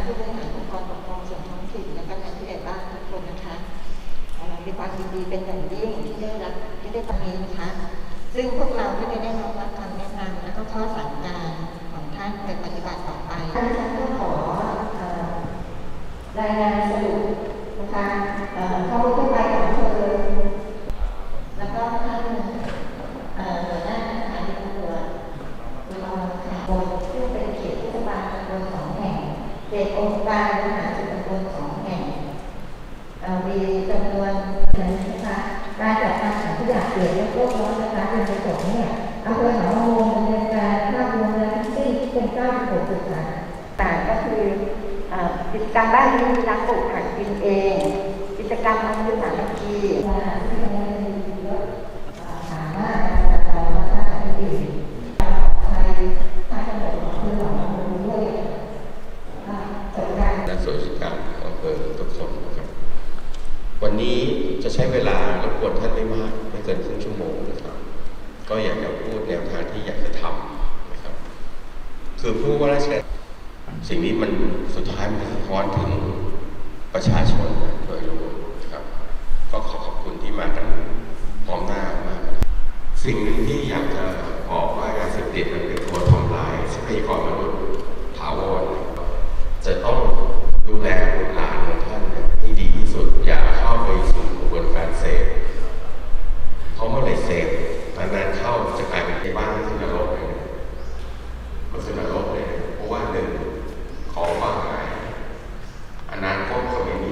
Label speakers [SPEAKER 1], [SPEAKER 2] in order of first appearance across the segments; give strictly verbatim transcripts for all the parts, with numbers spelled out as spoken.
[SPEAKER 1] ผู้บริหารองค์กรปกครองส่วนท้องถิ่นและก็ทางผู้ใหญ่บ้านทุกคนนะคะมีความยินดีเป็นอย่างยิ่งที่ได้รับที่ได้ตรงนี้นะคะซึ่งพวกเราก็จะได้รับคำแนะนำและก็ข้อสั่งการของท่านไปปฏิบัติต่อไปท่านก็ขอรายงานสรุปนะคะเข้าทั่วไปของเธอแล้วก็ท่านหัวหน้าสถานีตำรวจอุดรธานีซึ่งเป็นเขตเทศบาลตำบลสองแห่งเขตองค์การบริหารส่วนตำบลสองแห่งมีจำนวนนะคะการจัดการของทุกอย่างเกิดเรื่องโลกร้อนนะคะเป็นประสงค์เนี่ยอำเภอหนองมะม่วงดำเนินการภาพรวมและทั้งสิ้นที่เป็นเก้าสิบหกจุดค่ะต่างก็คือกิจกรรมบ้านที่มีรักปลูกผักกินเองกิจกรรมทำยุทธศาสตร์บัญชีสามารถจัดการมาตรการอื่นไทยทางจังหวัดของเพื่อนของเราด้วยจัดการ
[SPEAKER 2] และส่วนราชการอำเภอทุกคนนะครับวันนี้จะใช้เวลารบกวนท่านไม่มากไม่เกินครึ่งชั่วโมงนะครับก็อยากจะพูดแนวทางที่อยากจะทำนะครับคือผู้ว่าราชการสิ่งนี้มันสุดท้ายมันสะท้อนถึงประชาชนโดยรวมนะครับก็ขอขอบคุณที่มากันพร้อมหน้ามากสิ่งหนึ่งที่อยากจะบอกว่ายาเสพติดมันเป็นตัวทำลายทรัพยากรมนุษย์ถาวรจะต้องดูแลบุตรหลานของท่านให้ดีที่สุดอย่าเข้าไปสู่กระบวนการเสพเพราะเมื่อไรเสพนานๆเข้าจะกลายเป็นที่บ้านที่นรกเลยก็คือนรกเลยเพราะว่าหนึ่งของว่าหายอนาคตก็ไม่มี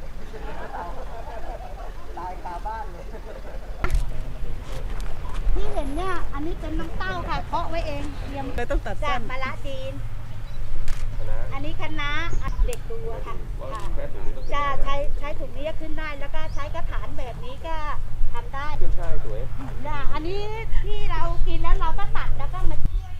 [SPEAKER 3] ที่เห็นเนี่ยอันนี้เป็นน้ำเต้าค่ะเพาะไว้เองเตรียมเลยต้องตัดจากมะระจีนอันนี้คะน้าเด็กดูค่ะจะใช้ใช้ถุงนี้ขึ้นได้แล้วก็ใช้กระถางแบบนี้ก็ทำได้
[SPEAKER 2] ใช่สวย
[SPEAKER 3] อันนี้ที่เรากินแล้วเราก็ตัดแล้วก็มา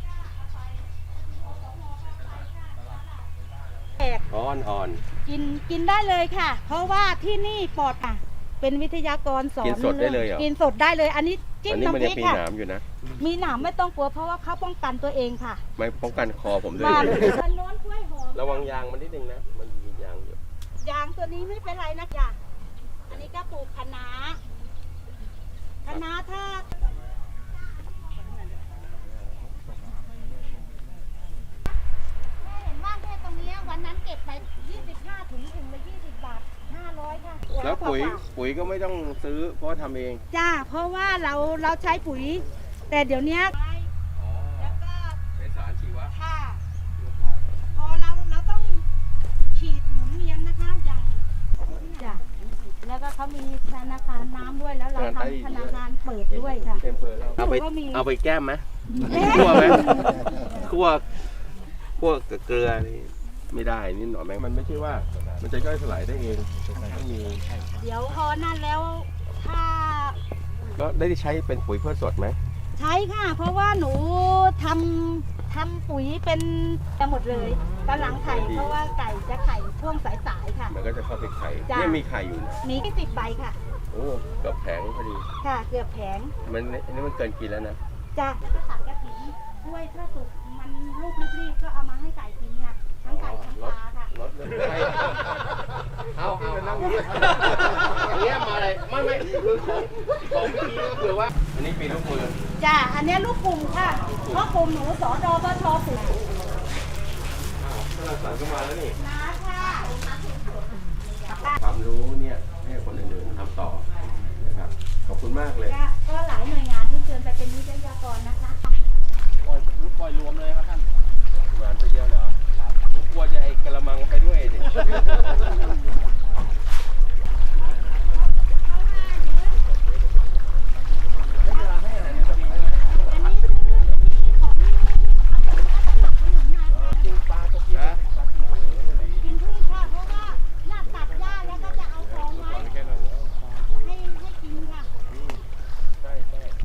[SPEAKER 2] อ่อนอ่อน
[SPEAKER 3] กินกินได้เลยค่ะเพราะว่าที่นี่ปลอดค่ะเป็นวิทยากรสอน
[SPEAKER 2] กินสดได้เลยเหรอ
[SPEAKER 3] กินสดได้เลยอันนี้จิ้มน้ำพริกค่ะ
[SPEAKER 2] มีหนามอยู่นะ
[SPEAKER 3] มีหนามไม่ต้องกลัวเพราะว่าเขาป้องกันตัวเองค่ะ
[SPEAKER 2] ไม่ป้องกันคอผมด้วยระวังยางมันนิดนึงนะมันมียางอยู่
[SPEAKER 3] ยางตัวนี้ไม่เป็นไรนะจ๊ะอันนี้ก็ปลูกคะน้าคะน้าถ้าเห็นว่าแค่ตรงนี้วันนั้นเก็บไปยี่สิบห้าถุงถุงละยี่สิบบาทห้าร้อยค่ะ
[SPEAKER 2] แล้วปุ๋ยปุ๋ยก็ไม่ต้องซื้อเพราะทำเอง
[SPEAKER 3] จ้าเพราะว่าเราเราใช้ปุ๋ยแต่เดี๋ยวนี้แล้วก็
[SPEAKER 2] เป็นสารชีวะ
[SPEAKER 3] ค่ะพอเราเราต้องฉีดหมุนเวียนนะคะอย่างจ้ะแล้วก็เขามีธนาคารน้ำด้วยแล้วเราทำธนาคารเปิดด้วยค่ะ
[SPEAKER 2] เอาไปเอาไปแก้มไหมคั่วไหมคั่วคั่วกับเกลือนี่ไม่ได้นิดหน่อยแม่มันไม่ใช่ว่ามันจะย่อยสลายได้เองต้องมี
[SPEAKER 3] เดี๋ยวพอนั่นแล้วถ้า
[SPEAKER 2] แล้วได้ใช้เป็นปุ๋ยเพื่อสดไหม
[SPEAKER 3] ใช้ค่ะเพราะว่าหนูทำทำปุ๋ยเป็นจะหมดเลยกำลังไข่เพราะว่าไก่จะไข่ช่วงสายๆค่ะ
[SPEAKER 2] มันก็จะเข้าไปไข่เนี่ยมีไข่อยู่
[SPEAKER 3] มีแค่สิบใบค่ะ
[SPEAKER 2] โอ้เกือบแผงพอดี
[SPEAKER 3] ค่ะเกือบแผง
[SPEAKER 2] มันนี่มันเกินกินแล้วนะ
[SPEAKER 3] จ้ะแล้วก็ตัดกระถิ่นด้วยถ้าสุกมันลูกรีบๆก็เอามาให้ไก่กินค่ะทั้งไก่ทั้งปลาค่ะ
[SPEAKER 2] รถเลยเอาเอานั่งอยู่อันนี้มาอะไรไม่ไม่คือของของพี่ก็คือว่าอันนี้ปีลูกมือ
[SPEAKER 3] จ้ะอันนี้ลูกกลุ่มค่ะเพราะกลุ่มหนูสอดอบชปลูก
[SPEAKER 2] สั่งเข้ามาแล้วนี่
[SPEAKER 3] นะค่ะ
[SPEAKER 2] ความรู้เนี่ยให้คนอื่นๆทำต่อนะครับขอบคุณมากเลย
[SPEAKER 3] ก็หลายหน่วยงานที่เชิญไปเป็นวิท